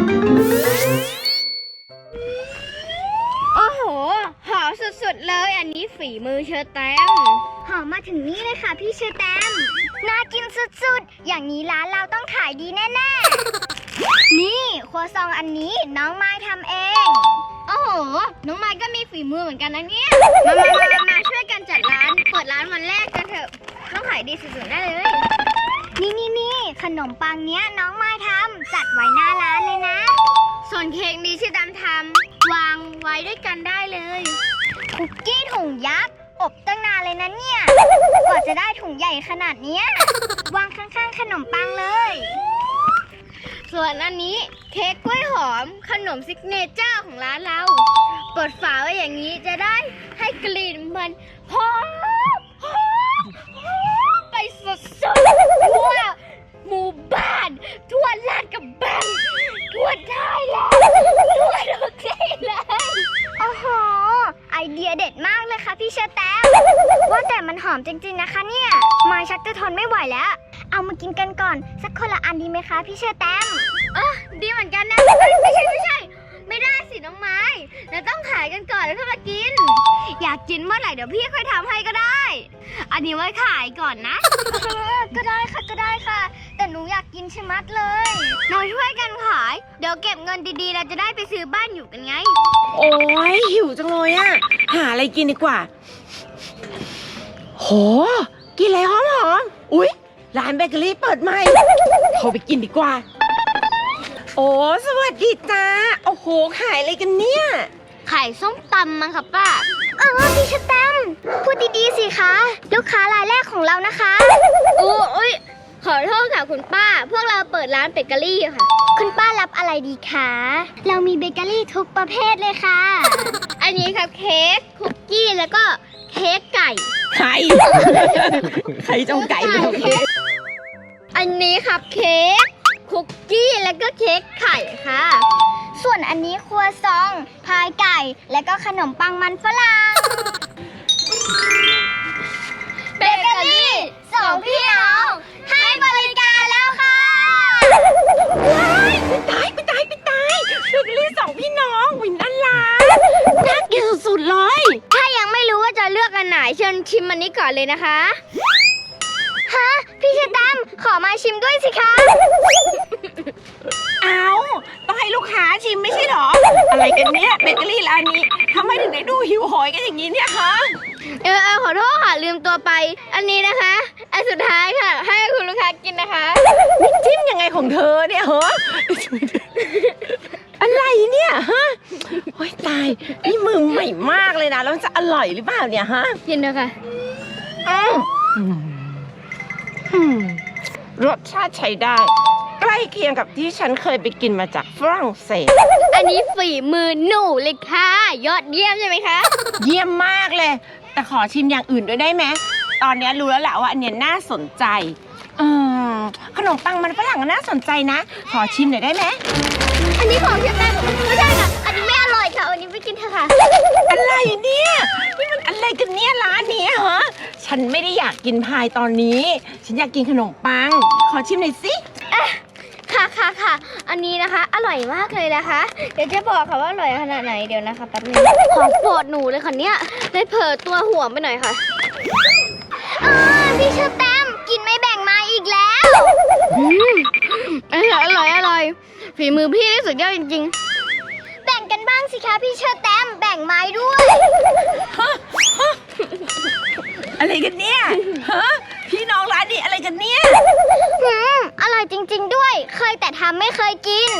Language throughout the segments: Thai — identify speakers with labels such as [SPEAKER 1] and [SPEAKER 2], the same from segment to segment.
[SPEAKER 1] โอ้โหหอมสุดๆเลยอันนี้ฝีมือเชอแตมหอมมาถึงนี่เลยค่ะพี่เชอแตมน่ากินสุดๆอย่างนี้ร้านเราต้องขายดีแน่ๆนี่ครัวซองอันนี้น้องไม้ทำเองโอ้โหน้องไม้ก็มีฝีมือเหมือนกันนะเนี่ยมาช่วยกันจัดร้านเปิดร้านวันแรกกันเถอะต้องขายดีสุดๆได้เลยนี่ขนมปังเนี้ยน้องไม้ทำจัดไว้หน้าร้านเลยนะส่วนเค้กนี้ที่ดำทำวางไว้ด้วยกันได้เลยคุกกี้ถุงยักษ์อบตั้งนานเลยนะเนี่ยกว่าจะได้ถุงใหญ่ขนาดเนี้ยวางข้างๆขนมปังเลยส่วนอันนี้เค้กกล้วยหอมขนมซิกเนเจอร์ของร้านเราเปิดฝาไว้อย่างนี้จะได้ให้กลิ่นมันหอมไปสุดๆทั่วหมู่บ้านทั่วลาดกระบังทั่วไทยแลนด์ทั่วทุกที่เลยโอ้โหไอเดียเด็ดมากเลยค่ะพี่เชอแตมว่าแต่มันหอมจริงๆนะคะเนี่ยมาชักจะทนไม่ไหวแล้วเอามากินกันก่อนสักคนละอันดีไหมคะพี่เชอแตมดีเหมือนกันนะไม่ใช่ไม่ได้สิน้องไม้เราต้องขายกันก่อนแล้วค่อยมากินอยากกินเมื่อไหร่เดี๋ยวพี่ค่อยทำให้ก็ได้อันนี้ไว้ขายก่อนนะก็ได้ค่ะแต่หนูอยากกินชะมัดเลยเราช่วยกันขายเดี๋ยวเก็บเงินดีๆเราจะได้ไปซื้อบ้านอยู่กันไง
[SPEAKER 2] โอ้ยหิวจังเลยอะหาอะไรกินดีกว่าโหกินอะไรหอมอุ๊ยร้านเบเกอรี่เปิดใหม่เข้าไปกินดีกว่าโอ้สวัสดีจ้าโอ้โหขายอะไรกันเนี่ย
[SPEAKER 1] ขายส้มตำมั้งค่ะป้าพี่ชะแตมพูดดีๆสิคะลูกค้ารายแรกของเรานะคะโอ้ยขอโทษค่ะคุณป้าพวกเราเปิดร้านเบเกอรี่ค่ะคุณป้ารับอะไรดีคะเรามีเบเกอรี่ทุกประเภทเลยค่ะอันนี้ครับเค้กคุกกี้แล้วก็เค้กไก่
[SPEAKER 2] ไข่เจ้าไก่
[SPEAKER 1] อันนี้ครับเค้กคุกกี้แล้วก็เค้กไข่ค่ะส่วนอันนี้ครัวซองพายไก่แล้วก็ขนมปังมันฝรั่งเบเกอรี่สองพี่น้องให้บริการแล้วค่ะ
[SPEAKER 2] ไปตายเบเกอรี่สองพี่น้องวินน่ารักน่ากินสุดๆเลย
[SPEAKER 1] ถ้ายังไม่รู้ว่าจะเลือกอันไหนเชิญชิมอันนี้ก่อนเลยนะคะฮะพี่เชตัมขอมาชิมด้วยสิคะ
[SPEAKER 2] เอาต้องให้ลูกค้าชิมไม่ใช่หรออะไรกันเนี่ยเบเกอรี่ร้านนี้ทำไมถึงได้ดูหิวโหยกันอย่างนี้เนี่ยคะ
[SPEAKER 1] ขอโทษค่ะลืมตัวไปอันนี้นะคะอันสุดท้ายค่ะให้คุณลูกค้ากินนะคะ
[SPEAKER 2] นี่จิ้มยังไงของเธอเนี่ยเหรออะไรเนี่ยฮะโอ๊ยตายนี่มือใหม่มากเลยนะแล้วจะอร่อยหรือเปล่าเนี่ยฮะ
[SPEAKER 1] กินเลยค่ะ
[SPEAKER 2] รสชาติใช้ได้ใกล้เคียงกับที่ฉันเคยไปกินมาจากฝรั่งเศส
[SPEAKER 1] อันนี้ฝีมือหนูเลยค่ะยอดเยี่ยมใช่ไหมคะ
[SPEAKER 2] เยี่ยมมากเลยแต่ขอชิมอย่างอื่นด้วยได้ไหมตอนนี้รู้แล้วแหละว่าอันนี้น่าสนใจขนมปังมันฝรั่งน่าสนใจนะขอชิมหน่อยได้ไหม
[SPEAKER 1] อันนี้ของเชฟแม่ไม่ใช่ค่ะอันนี้ไม่อร่อยค่ะอันนี้ไม่กินเถอะค่ะ
[SPEAKER 2] อะไรเนี่ยนี่มันอะไรกันเนี่ยร้านนี้ฮะฉันไม่ได้อยากกินพายตอนนี้ฉันอยากกินขนมปังขอชิมหน่อยสิ
[SPEAKER 1] ค่ะอันนี้นะคะอร่อยมากเลยนะคะเดี๋ยวจะบอกค่ะว่าอร่อยขนาดไหนเดี๋ยวนะคะแป๊บนึงของโปรดหนูเลยค่ะเนี่ยได้เผลอตัวห่วงไปหน่อยค่ะพี่เชอแตมกินไม่แบ่งมาอีกแล้วอร่อยฝีมือพี่สุดยอดจริงๆแบ่งกันบ้างสิคะพี่เชอแตมแบ่งไม้ด้วย
[SPEAKER 2] อะไรกันเนี่ยฮะพี่น้องร้านนี้อะไรกันเนี่ย
[SPEAKER 1] อร่อยจริงๆด้วยเคยแต่ทำไม่เคยกิน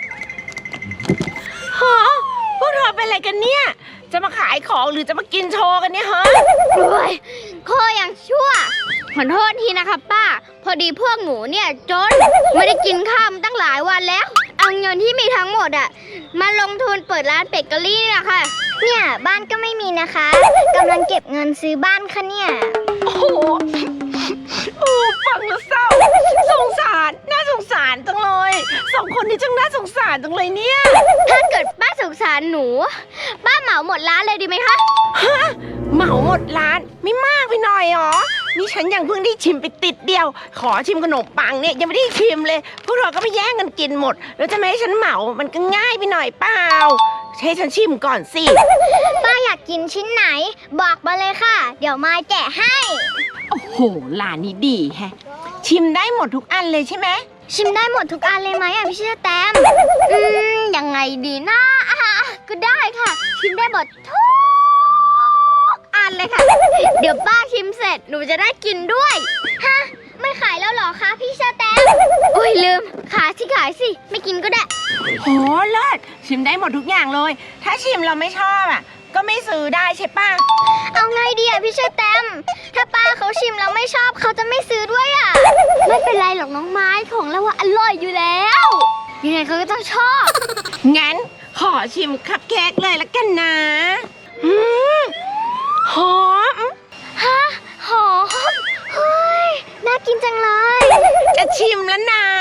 [SPEAKER 2] ฮะพวกเธอเป็นอะไรกันเนี่ยจะมาขายของหรือจะมากินโชว์กันเนี่ยฮะ
[SPEAKER 1] โอ้ยโคอย่างชั่วขอโทษทีนะคะป้าพอดีพวกหนูเนี่ยจนไม่ได้กินข้าวมาตั้งหลายวันแล้วเอาเงินที่มีทั้งหมดมาลงทุนเปิดร้านเบเกอรี่นะคะเนี่ยบ้านก็ไม่มีนะคะกำลังเก็บเงินซื้อบ้านค่ะเนี่ย
[SPEAKER 2] โอ้ฟังแล้วเศร้าสงสารน่าสงสารจังเลยสองคนนี้จังน่าสงสารจังเลยเนี่ย
[SPEAKER 1] ถ้าเกิดป้าสงสารหนูป้าเหมาหมดร้านเลยดีไหมคะ
[SPEAKER 2] ฮะเหมาหมดร้านไม่มากไปหน่อยหรอนี่ฉันยังเพิ่งได้ชิมไปติดเดียว ขอชิมขนมปังเนี่ยยังไม่ได้ชิมเลย พวกเราก็ไปแย่งกันกินหมด แล้วจะไม่ให้ฉันเหมามันก็ง่ายไปหน่อยเปล่าให้ฉันชิมก่อนสิ
[SPEAKER 1] ป้าอยากกินชิ้นไหนบอกมาเลยค่ะ เดี๋ยวมายแกะให้
[SPEAKER 2] โอ้โหร้านนี้ดีแฮะ ชิมได้หมดทุกอันเลยใช่ไหม
[SPEAKER 1] ชิมได้หมดทุกอันเลยไหมอ่ะพี่เชอแตมยังไงดีนะก็ได้ค่ะ ชิมได้หมดทุกอันเลยค่ะ เดี๋ยวป้าชิมเสร็จหนูจะได้กินด้วยฮะไม่ขายแล้วเหรอคะพี่เชอแตมอุ้ยลืมขายสิไม่กินก็ได้
[SPEAKER 2] โหเลิศชิมได้หมดทุกอย่างเลย ถ้าชิมเราไม่ชอบอ่ะก็ไม่ซื้อได้ใช่ป่ะ
[SPEAKER 1] เอาไงดีอ่ะพี่เชอแตมถ้าป้าเขาชิมแล้วไม่ชอบเขาจะไม่ซื้อด้วยอ่ะไม่เป็นไรหรอกน้องไม้ของเราว่าอร่อยอยู่แล้วยังไงเขาก็ต้องชอบ
[SPEAKER 2] งั้นขอชิมคัพเค้กเลยละกันนะหอม
[SPEAKER 1] ฮะหอมเฮ้ยน่ากินจังเลย
[SPEAKER 2] จะชิมแล้วนะ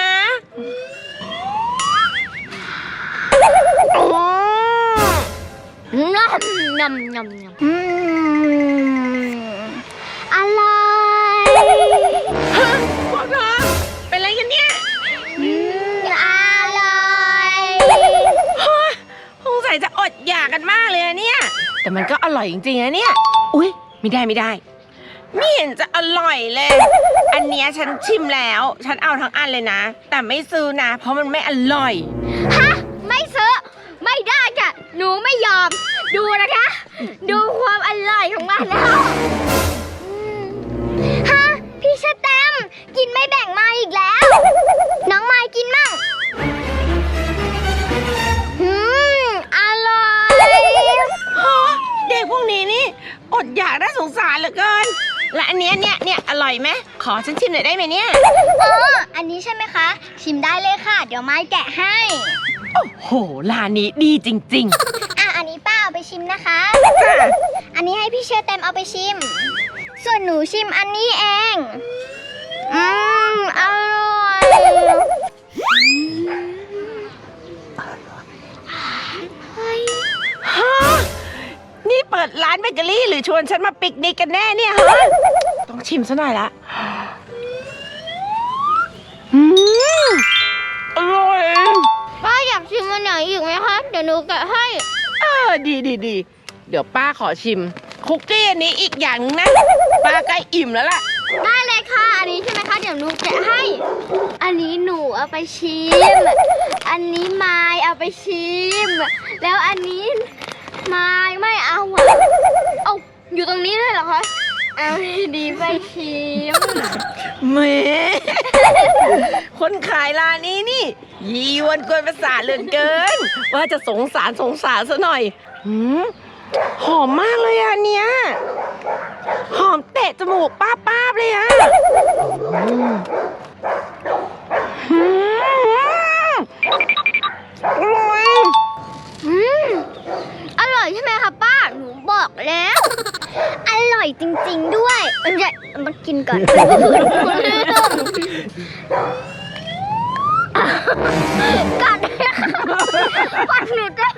[SPEAKER 1] นำอร่อย
[SPEAKER 2] ฮะพวกเธอเป็นอะไรกันเนี่ย
[SPEAKER 1] อร่อย
[SPEAKER 2] ฮะสงสัยจะอดอยากกันมากเลยอะเนี่ย แต่มันก็อร่อยจริงๆนะเนี่ย อุ๊ยไม่ได้ไม่เห็นจะอร่อยเลย อันเนี้ยฉันชิมแล้ว ฉันเอาทั้งอันเลยนะ แต่ไม่ซื้อนะ เพราะมันไม่อร่อย
[SPEAKER 1] ฮะไม่ซื้อไม่ได้ค่ะหนูไม่ยอมดูนะคะ ดูความอร่อยของมันแล้วฮะพี่เชอแตมกินไม่แบ่งมาอีกแล้ว น้องไม้กินมั่งอร่อย
[SPEAKER 2] ฮะเด็กพวกนี้นี่อดอยากน่าสงสารเหลือเกิน และอันเนี้ยเนี่ยอร่อยไหมขอฉันชิมหน่อยได้ไหมเนี่ย
[SPEAKER 1] อันนี้ใช่ไหมคะ ชิมได้เลยค่ะ เดี๋ยวไม้แกะให้
[SPEAKER 2] โอ้โหร้านนี้ดีจริงๆ
[SPEAKER 1] อันนี้ป้าเอาไปชิมนะคะ
[SPEAKER 2] จ้ะ
[SPEAKER 1] อันนี้ให้พี่เชอแตมเอาไปชิม ส่วนหนูชิมอันนี้เอง อร่อย
[SPEAKER 2] ฮะนี่เปิดร้านเบเกอรี่หรือชวนฉันมาปิกนิกกันแน่เนี่ยฮะ ต้องชิมซะหน่อยละอร่อย
[SPEAKER 1] ป้าอยากชิมอันไหนอีกไหมคะ เดี๋ยวหนูแกะให้
[SPEAKER 2] ดีเดี๋ยวป้าขอชิมคุกกี้อันนี้อีกอย่างนึงนะ ป้าใกล้อิ่มแล้วล่ะ
[SPEAKER 1] ได้เลยค่ะ อันนี้ใช่ไหมคะ เดี๋ยวหนูแกะให้ อันนี้หนูเอาไปชิม อันนี้ไม้เอาไปชิม แล้วอันนี้ไม้ไม่เอาเอาอยู่ตรงนี้เลยเหรอคะ เอาดีไปชิม
[SPEAKER 2] แหม คนขายร้านนี้นี่ ยีวนกวนประสาทเหลือเกิน ว่าจะสงสารซะหน่อยหอมมากเลยอ่ะเนี่ยหอมเตะจมูกป้าบเลยอ่ะอร่อย
[SPEAKER 1] อร่อยใช่ไหมคะป้า หนูบอกแล้ว อร่อยจริงๆด้วยเดี๋ยวมากินก่อนกัดปัดหนูด้วย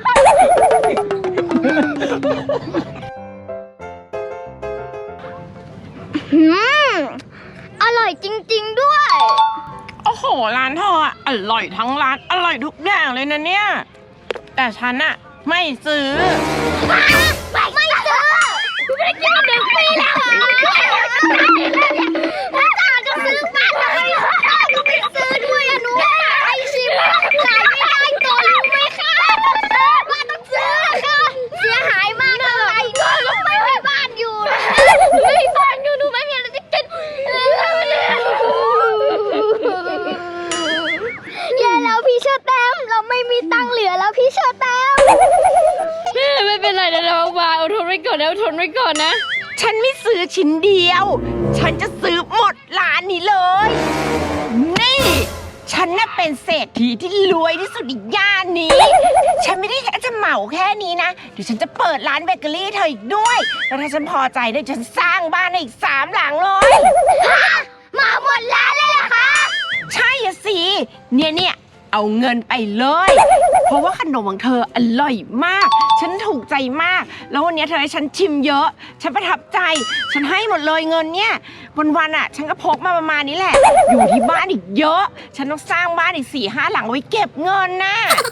[SPEAKER 1] อร่อยจริงๆด้วย
[SPEAKER 2] โอ้โหร้านเธออะอร่อยทั้งร้านอร่อยทุกอย่างเลยนะเนี่ยแต่ฉันอะไม่ซื้อ
[SPEAKER 1] ไม่ซื้อไม่ได้กินมา1 ปีแล้วถ้าจะซื้อบ้านเลยไม่ซื้อด้วยอะหนูไอชิมขายไม่ได้ตัวรู้ไหมคะบ้านต้องซื้อค่ะเสียหายมากเลยไม่มีบ้านอยู่ไม่มีบ้านอยู่หนูไม่มีอะไรจะกินแย่แล้วพี่เชอแตมเราไม่มีตังค์เหลือแล้วพี่เชอแตม
[SPEAKER 3] ไม่เป็นไรนะน้องวาอดทนไว้ก่อนนะ
[SPEAKER 2] ฉันไม่ซื้อชิ้นเดียว ฉันจะซื้อหมดร้านนี้เลย นี่ ฉันน่ะเป็นเศรษฐีที่รวยที่สุดในย่านนี้ ฉันไม่ได้แค่จะเหมาแค่นี้นะ เดี๋ยวฉันจะเปิดร้านเบเกอรี่เธออีกด้วย แล้วถ้าฉันพอใจเดี๋ยวฉันสร้างบ้านให้อีก3 หลังเลย
[SPEAKER 1] มาหมดร้านเลยเหรอคะ
[SPEAKER 2] ใช่อะสิ เนี่ยเอาเงินไปเลยเพราะว่าขนมของเธออร่อยมาก ฉันถูกใจมาก แล้ววันนี้เธอให้ฉันชิมเยอะ ฉันประทับใจ ฉันให้หมดเลยเงินเนี่ยวันๆอ่ะ ฉันก็พกมาประมาณนี้แหละ อยู่ที่บ้านอีกเยอะ ฉันต้องสร้างบ้านอีก4-5 หลังไว้เก็บเงินน่ะ